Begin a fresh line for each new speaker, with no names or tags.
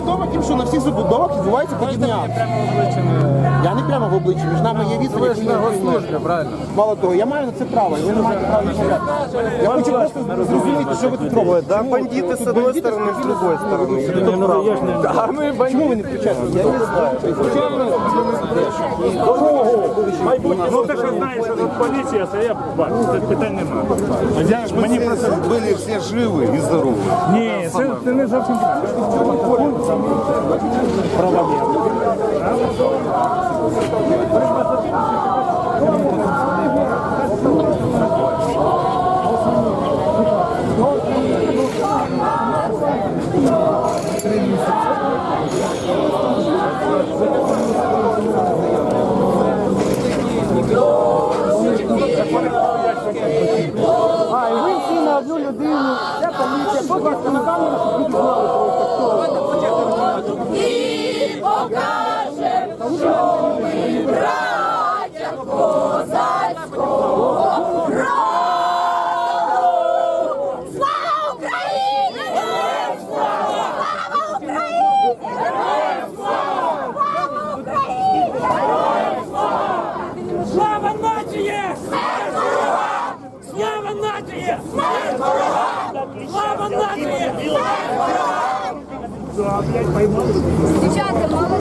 відомо тим, що на всіх забудовах відбувається подібні акції. Я не прямо в обличчі, між нами є відповідь.
Ви ж на госслужбі, правильно?
Мало того, я маю на це право, і ви не маєте права відмовляти. Я хочу просто зрозуміти, що ви тут робите.
Да, бандиты с одной стороны, с другой стороны. А мы
Чому ви не включаєте? Я не знаю.
Ну ти ж знаєш, що тут поліція, це я бачу, це питань немає. Мені просто...
Были все живы и здоровы.
Ні, це не зовсім правомірно.
А, і ви всі на одну людину, це поліція, будь ласка, на камеру, щоб люди знали, хто.
І покажем, що ми браття козацького роду. Слава Україні! Героям слава! Слава Україні! Героям слава! Слава Україні! Героям слава!
Слава нації!
Смерть ворогам!
Слава нації!
Смерть ворогам!
Слава нації!
Смерть ворогам!
Дівчата,